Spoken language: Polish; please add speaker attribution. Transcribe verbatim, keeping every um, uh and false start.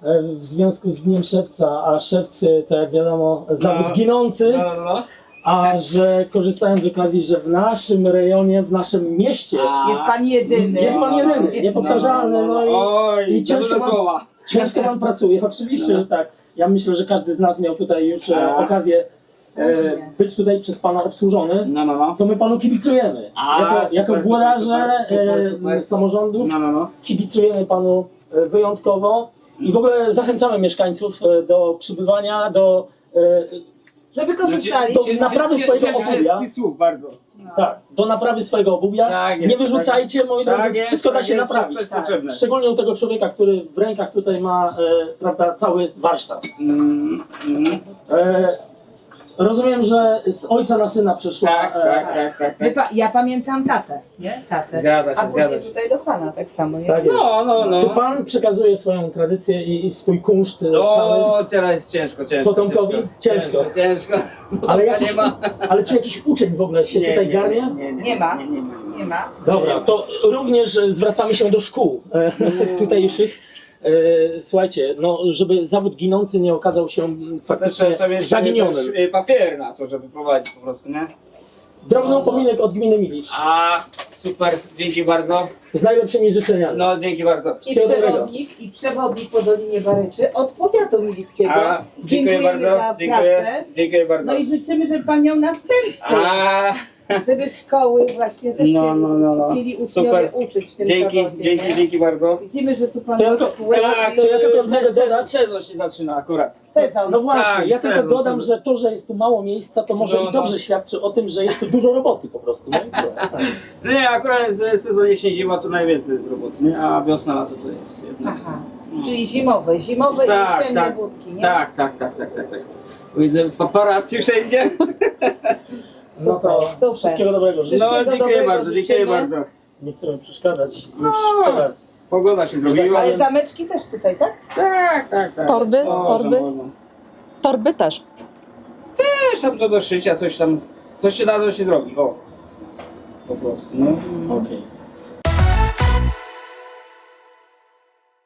Speaker 1: e, w związku z Dniem Szewca, a szewcy to jak wiadomo zawód
Speaker 2: No.
Speaker 1: ginący,
Speaker 2: No, no, no.
Speaker 1: a że korzystając z okazji, że w naszym rejonie, w naszym mieście
Speaker 2: A,
Speaker 3: Jest pan jedyny.
Speaker 1: jest pan jedyny, niepowtarzalny, no i
Speaker 2: Oj,
Speaker 1: i ciężko
Speaker 2: ciężkie
Speaker 1: mam-
Speaker 2: słowa.
Speaker 1: ciężko pan pracuje, oczywiście,
Speaker 2: No.
Speaker 1: że tak. Ja myślę, że każdy z nas miał tutaj już e,
Speaker 2: A.
Speaker 1: okazję e, być tutaj przez pana obsłużony.
Speaker 2: No, no, no.
Speaker 1: To my panu kibicujemy.
Speaker 2: A,
Speaker 1: jako,
Speaker 2: super,
Speaker 1: jako
Speaker 2: super,
Speaker 1: włodarze
Speaker 2: super, super,
Speaker 1: e,
Speaker 2: super.
Speaker 1: samorządów
Speaker 2: No, no, no.
Speaker 1: kibicujemy panu e, wyjątkowo i w ogóle zachęcamy mieszkańców e, do przybywania, do, e,
Speaker 3: Żeby korzystali.
Speaker 1: Do- naprawy swojego
Speaker 2: Cieszę się
Speaker 1: obuwia.
Speaker 2: z tych słów bardzo.
Speaker 1: tak, do naprawy swojego obuwia.
Speaker 2: Tak jest,
Speaker 1: Nie wyrzucajcie, moi drodzy,
Speaker 2: Tak jest,
Speaker 1: wszystko da
Speaker 2: tak
Speaker 1: się
Speaker 2: jest,
Speaker 1: naprawić.
Speaker 2: Wszystko
Speaker 3: Tak.
Speaker 2: jest potrzebne.
Speaker 1: Szczególnie u tego człowieka, który w rękach tutaj ma e, prawda, cały warsztat.
Speaker 2: Mm, mm.
Speaker 1: E, rozumiem, że z ojca na syna przeszła.
Speaker 2: Tak,
Speaker 1: e,
Speaker 2: tak, tak, tak,
Speaker 3: My
Speaker 2: tak.
Speaker 3: pa, ja pamiętam tatę, nie? Tatę.
Speaker 2: Zgadza się,
Speaker 3: A później
Speaker 2: zgadza się.
Speaker 3: tutaj do pana tak samo, nie?
Speaker 1: Tak jest.
Speaker 2: No, no, no.
Speaker 1: Czy pan przekazuje swoją tradycję i, i swój kunszt e, cały?
Speaker 2: O, teraz jest ciężko, ciężko.
Speaker 1: Potomkowi? Ciężko.
Speaker 2: Ciężko, ciężko.
Speaker 1: Ale,
Speaker 2: Potomka
Speaker 1: jakiś,
Speaker 2: nie ma.
Speaker 1: ale czy jakiś uczeń w ogóle się tutaj garnie?
Speaker 2: Nie, nie,
Speaker 3: Nie ma.
Speaker 2: Nie, nie ma.
Speaker 3: Nie ma.
Speaker 1: Dobra, to również e, zwracamy się do szkół e, tutejszych. E, słuchajcie, no, żeby zawód ginący nie okazał się m, faktycznie
Speaker 2: Trzeba mieć
Speaker 1: zaginionym.
Speaker 2: też, y, papier na to, żeby prowadzić po prostu, nie?
Speaker 1: Drobny upominek od gminy Milicz.
Speaker 2: A, super, dzięki bardzo.
Speaker 1: Z najlepszymi życzeniami.
Speaker 2: No, dzięki bardzo.
Speaker 3: I
Speaker 1: Wszystkiego dobrego.
Speaker 3: przewodnik, i przewodnik po Dolinie Baryczy od powiatu milickiego.
Speaker 2: A, dziękuję
Speaker 3: Dziękujemy
Speaker 2: bardzo.
Speaker 3: za
Speaker 2: Dziękuję,
Speaker 3: pracę.
Speaker 2: dziękuję bardzo.
Speaker 3: No i życzymy, żeby pan miał następcę.
Speaker 2: A,
Speaker 3: Żeby szkoły właśnie też
Speaker 2: No,
Speaker 3: się
Speaker 2: no, no, no.
Speaker 3: chcieli uczniowie
Speaker 2: Super.
Speaker 3: uczyć w tym
Speaker 2: dzięki,
Speaker 3: zawodzie.
Speaker 2: dzięki,
Speaker 3: nie?
Speaker 2: dzięki bardzo.
Speaker 3: Widzimy, że tu pan
Speaker 1: To ja tylko-
Speaker 2: Tak,
Speaker 1: to ja tylko
Speaker 2: se-
Speaker 1: mogę
Speaker 2: se-
Speaker 1: dodać.
Speaker 2: Sezon się zaczyna akurat.
Speaker 3: sezon.
Speaker 1: No właśnie,
Speaker 2: Tak,
Speaker 1: ja tylko
Speaker 2: sezon,
Speaker 1: dodam,
Speaker 2: sezon.
Speaker 1: że to, że jest tu mało miejsca, to może
Speaker 2: No,
Speaker 1: i dobrze
Speaker 2: no.
Speaker 1: świadczy o tym, że jest tu dużo roboty po prostu. Nie? Tak.
Speaker 2: Nie, akurat jest sezon jesień, zima to najwięcej jest roboty, nie? A wiosna, lato to jest jednak.
Speaker 3: Aha.
Speaker 2: No.
Speaker 3: Czyli zimowe, zimowe
Speaker 2: Tak,
Speaker 3: i jesienne
Speaker 2: tak,
Speaker 3: budki, nie?
Speaker 2: Tak, tak, tak, tak, tak, tak. Widzę paparazzi wszędzie.
Speaker 1: No to
Speaker 3: Super.
Speaker 1: wszystkiego dobrego życzę.
Speaker 2: No,
Speaker 3: Wszystkiego
Speaker 2: dziękuję
Speaker 3: dobrego
Speaker 2: bardzo, dziękuję
Speaker 3: życzymy.
Speaker 2: bardzo.
Speaker 1: Nie chcemy przeszkadzać już
Speaker 2: No.
Speaker 1: teraz.
Speaker 2: Pogoda się zrobiła.
Speaker 3: Ale zameczki też tutaj, tak?
Speaker 2: Tak, tak, tak.
Speaker 4: Torby?
Speaker 2: Można,
Speaker 4: Torby?
Speaker 2: można.
Speaker 4: Torby też.
Speaker 2: Też tam do, do szycia, coś tam, coś się da, to się zrobi, o. Po prostu, no.
Speaker 1: Okej.